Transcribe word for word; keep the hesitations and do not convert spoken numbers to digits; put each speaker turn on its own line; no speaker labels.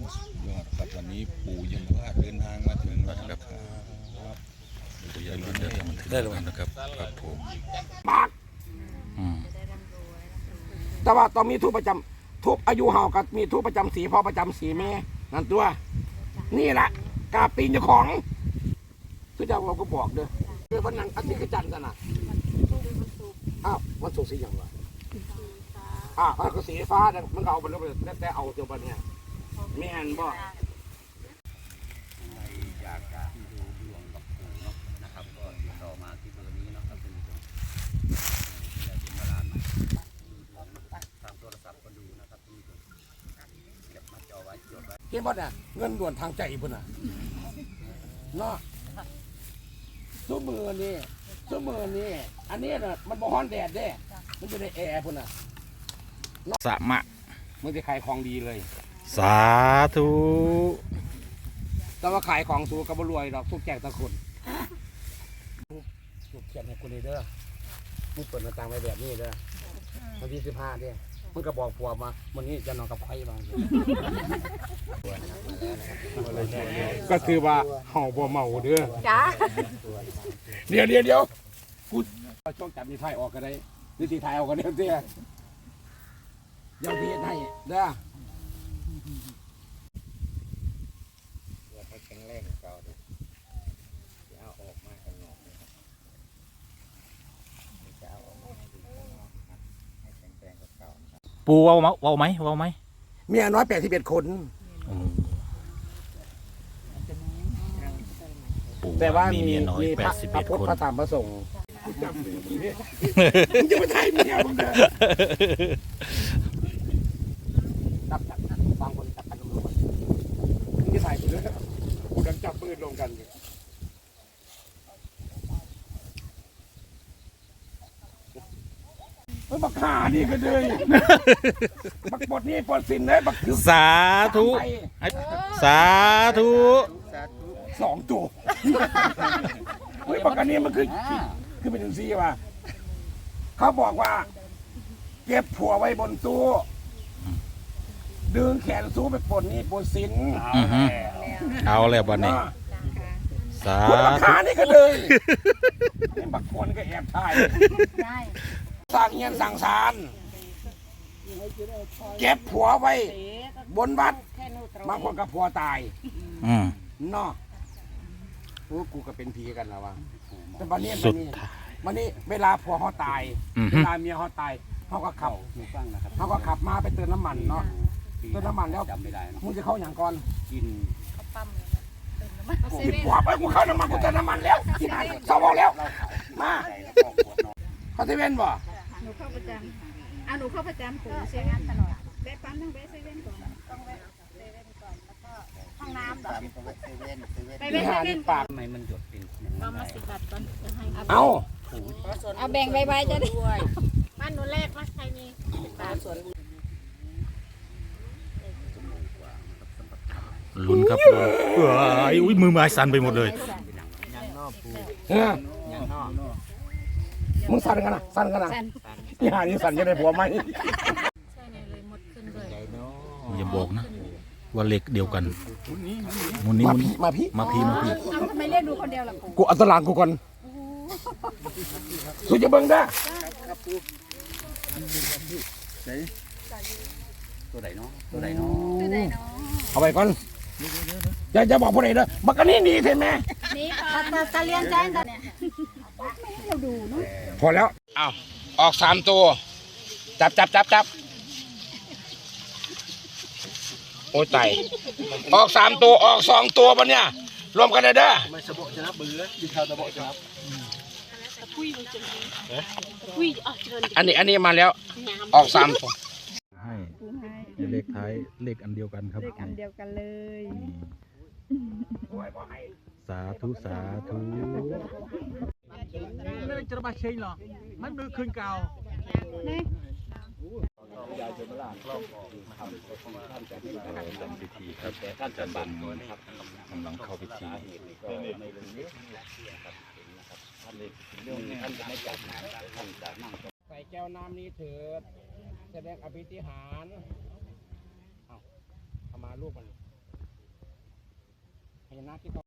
ยอดครับวันนี้ปู่ยังว่าเดินทางมาถึงแล้วนะครับปู่ยังเดินทางมาถึงแล้วนะครับครับผม
แต่ว่าต้องมีทูปประจำทูปอายุเฮากับมีทูปประจำสีพ่อประจำสีแม่นั่นตัวนี่แหละกาปีนเจ้าของคือเจ้าเราก็บอกเด้อเด้อวันนั้นอาทิตย์กจันทร์กันนะอ้าววันศุกร์สีอย่างวะอ้าวก็สีฟ้ามันเอาไปแล้วแต่เอาเจ้าบ้านเนี่ยแม่นบ่
อยากจะดูดวงกับปู่เนาะนะครับก็ติดต่อมาที่เบอร์นี้เนาะครับเป็นผู้ชมอยากดูมาลานดูดวงทางโทรศัพท์ก็ดูนะครับที่ผู้ชมเก็บมาจอไว้จดไว้
เห็นบ่เนี่ยเงินด่วนทางใจพุ่นน่ะเนาะซุ้มมือนี่ซุ้มมือนี่อันนี้น่ะมันบ่ฮ้อนแดดเด้มันจะได้แอร์พุ่นน่ะ
สะมะ
มันจะขายของดีเลย
สาธุ
แต่ว่าขายของสูงกับบรวยดอกทุกแจกตะคนลูกเขียนให้กูนี่เด้อมึงเปิดหน้าต่างไว้แบบนี้เด้อวันที่สิบห้าเด้อมึงก็บอกผัวมาวันนี้จะนอนกับใครบ้างก็คือว่าเห่าบ่เมาเด้อจ้าเดี๋ยวเดี๋ยวเดี๋ยวกูช่องจับมีไทยออกกันได้นี่ตีไทยออกกันเด้อเด้ออย่าเบียดให้เด้อ
แข็งแรงเก่าดิจะเอาออกมาข้างนอกจะเอาออกมาให้ดูข้างนอกครับให้แข็งแรงเก่า
ปูเว้าไหมเว้าไหมเว้าไหม
เมียน้อยแปดสิบเอ็ดคนแต่ว่ามีเมียน้อยแปดสิบเอ็ดคนพระธรรมพระสงฆ์จำเลยมึงจะมาไทยเมียมึงเด้อจับจับจับบางคนจับกันลงมามึงจะถ่ายกูด้วยกูดันจับปืนลงกันอยู่เฮ้ยบักขานี่ก็เลยบักบดนี่ปลดสินเลยบักคือ
สาธุสาธุ
สองตัวเฮ้ยบักอันนี้มันคือคือเป็นซีว่ะเขาบอกว่าเก็บผัวไว้บนตู้ดึงแขนสู้ไปปลดนี่ปลดสิน
เอาแล้ววันนี้สาธุ
บักขานี่ก็เลยนี่บักคนก็แอบถ่ายสร้างเงินสั่งสารเก็บผัวไว้บนวัดบางคนกับผัวตายเนาะโอ้กูก็เป็นผีกันแล้ววะแต่วันนี้วันนี้วันนี้เวลาผัวเขาตายเวลาเมียเขาตายเขาก็ขับเขาก็ขับมาไปเติมน้ำมันเนาะเติมน้ำมันแล้วมึงจะเข้าอย่างก่อน
กิน
เขาปั๊ม
กินผัวไปกูเข้าน้ำมันกูเติมน้ำมันแล้วกินอะไรสาวบอกแล้วมาเขาจะเว้นบ่
หนูเข้าประจำเอาหนูเข้าประจำปู่เซเว่นตลอดแวะปั๊มต้องแวะเซเว่นก่อนต้องแวะเซเว่นก่อนแล้วก็ห้องน้ำเหรอ
เซเว่นเซเว่น
ไปแวะเซเว่น
ปาก
ทำไมมันหยดเป็น
ก็มาสิบบาทก่อน
เอา
เอาแบ่งใบๆจะได้บ้านหนูแรกว่าใครมีตาสวน
ลุ้นครับลุ้นเอ้ยอุ้ยมือไม้สั่นไปหมดเลย
มึงสั่นกันนะสั่นกันนะนี่หานี่สั่นจะได้ผัวไหม
อย่าบอกนะว่าเล็กเดียวกันมุนนี้มุน
มาพี่
มาพี่มาพี่
เอาทำไมเรียกดูคนเดียวล่ะ
กูอัตลังกูก่อนสุดจะเบิ่งได้
ตัวไหนเนาะตัวไหนเนาะ
เอาไปก่อนอย่าจะบอกผู้ใดเด้อบักอันนี้หนีใช่ไหม
นี่ค่ะตาเลี้ยงแจ้งเนี่ยเราดูเนาะ
พอแล้วอ้าวออกสามตัวจับจับจับจับโอ้ยตายออกสามตัวออกสองตัวปะเนี่ยรวมกันเลยเด้อ
ไม่สะบกจะนับเบื่อดิเขาตะบกจะนับ
อันนี้อันนี้มาแล้วออกสามตัว
ให้เลขท้ายเลขอันเดียวกันครับ
เลขอันเดียวกันเลย
สาธุสาธุ
ไม่จะมาเชงหรอมันมือคืนเก่า
นี่
ยายจะมาลากล่องออกนะครับท่านจะที่ทำพิธีครับแต่ท่านจะบังตัวนะครับ
กำลังเข้าพิธี
ในเรื่องนี้นะครับท่านเลยเรื่องนี้ท่านจะไม่จับนะท่านจะนั่ง
ใส่แก้วน้ำนี้เถิดแสดงอภิธิหารเอาเอามาลูกมันพญานาคที่